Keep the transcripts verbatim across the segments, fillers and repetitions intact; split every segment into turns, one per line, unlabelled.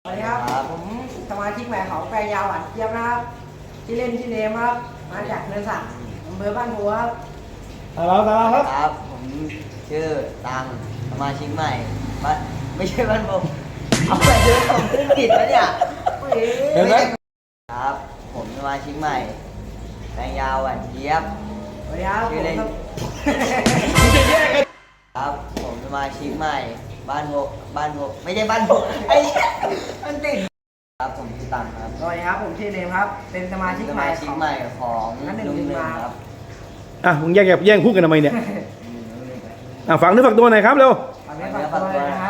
สวัสดีครับผมสมาชิกใหม่ของแปลงยาวหวานเจี๊ยบนะครับที่เล่นที่เนมครับมาจากเนินสักอำเภอบ้านบัวครับ
ตาเราตาเราครับ
ครับผมชื่อตังสมาชิกใหม่บ้านไม่ใช่บ้านผมเอาไปเดินผมขึ้นผิดแล้วเนี่ย
เห็นไหม
ครับ ผมสมาชิกใหม่แตงยาวหวานเจี๊ยบ
สวัสดีครับ
ชื่อเล่น
ผม
ครับผมสมาชิกใหม่ บ้านหกบ้านหกไม่ใช่บ้านหกไอ้เนี่ยมันติดครับผมชื่อตังครับ
สวัสดีครับผมชื่อเนมครับเป็นสมาชิก
ส
ใหม่
มาชิกใหม่ของ
นั่นหนึ่ง
ลุง
หนึ่ง
หนึ่ง
มา
ครับ
อ่ะมึงแย่งแย่งพูดกันทำไมเนี่ย
ลุงหนึ่ง
อ่ะฝังเนื้อฝักตัวหน่อยครับเร็ว
ฝากเนื้อฝากตัวเลยนะครับ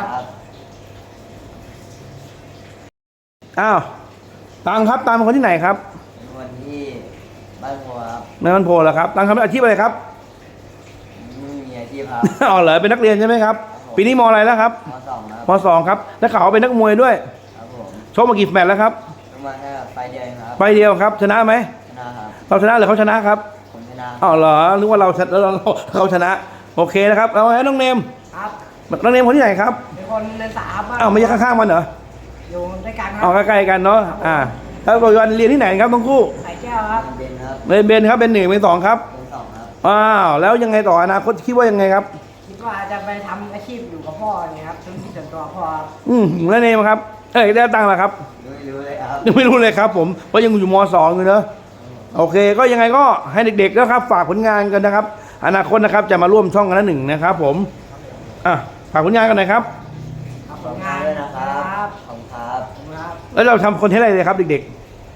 อ้าวตังครับตังเป็นคนที่ไหนครับ
เป็นวันที่บ้านหัวครับ
ในมันโพเหรอครับตังทำอาชีพอะไรครับ
ไม่มีอาชีพครับ
อ๋อเหรอเป็นนักเรียนใช่ไหมครับปีนี้มอะไรแล้วครับ
มสองครับ
มสองครับแล้วข่าวว่าเป็นนักมวยด้วย
ครับผม
ชกมากี่แมตช์แล้วครับ
ประมาณแค่ไฟเดียวเองครับ
ไปเดียวครับชนะไหม
ชนะครับ
เราชนะหรือเขาชนะครับ
ผมชนะ
อ๋อเหรอนึกว่าเราชนะแล้วเราเขาชนะโอเคนะครับเอาให้น้องเนม
ครับ
น้องเนมคนที่ไหนครับ
เป็นคนเนินสักครับ
อ้าวไม่ใช่ข้างๆมันเหรอ
อยู่ด้วยกันค
อ๋อ
รับ
ใกล้ๆกันเนาะอ่าแล้วปัจจุบันเรียนที่ไหนครับทั้งคู่
ไข่แก้วครับ
เบนครับ
เบนเบนครับเป็นหนึ่งเป็นสองครับ
เป็นสองครับ
อ้าวแล้วยังไงต่ออนาคตคิดว่ายังไงครับ
คิดว่าจะไปทำอาชีพอยู่กับพ่อเนี่ยครับธุรกิจส่วนตัวพ่อครับ
อืมแล้วเนมครับเอ้ยได้ตังค์แล้วครับ
ไม่รู้เลยครับ
ยังไม่รู้เลยครับ ผมเพราะยังอยู่มสองอยู่เนอะโอเค ก็ยังไงก็ให้เด็กๆนะครับ ฝากผลงานกันนะครับ อนาคตนะครับจะมาร่วมช่องกันละหนึ่งนะครับ ผมอ่ะฝากผลงานกันหน่อยครับ
ครับ
ข
ผ
อบ
ล
คุณ
งาน
ด้วยนะค
ค
รั
รั
บบ ขอบคุณครับ
ขอบคุณครับ
แล้วเราทำคอนเทนต์อะไรเลยครับ เด็ก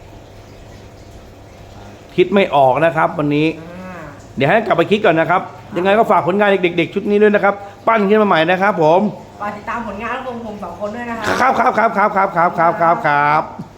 ๆ คิดไม่ออกนะครับ วันนี้
อ่า
เดี๋ยวให้กลับไปคิดก่อนนะครับ ยังไงก็ฝากผลงานเด็กๆชุดนี้ด้วยนะครับ ปั้นขึ้นมาใหม่นะครับ ผม
ฝากติดตามผลงานของผมสองคนด้วยนะครับ
ครับครับครับครับครับครับครับครับ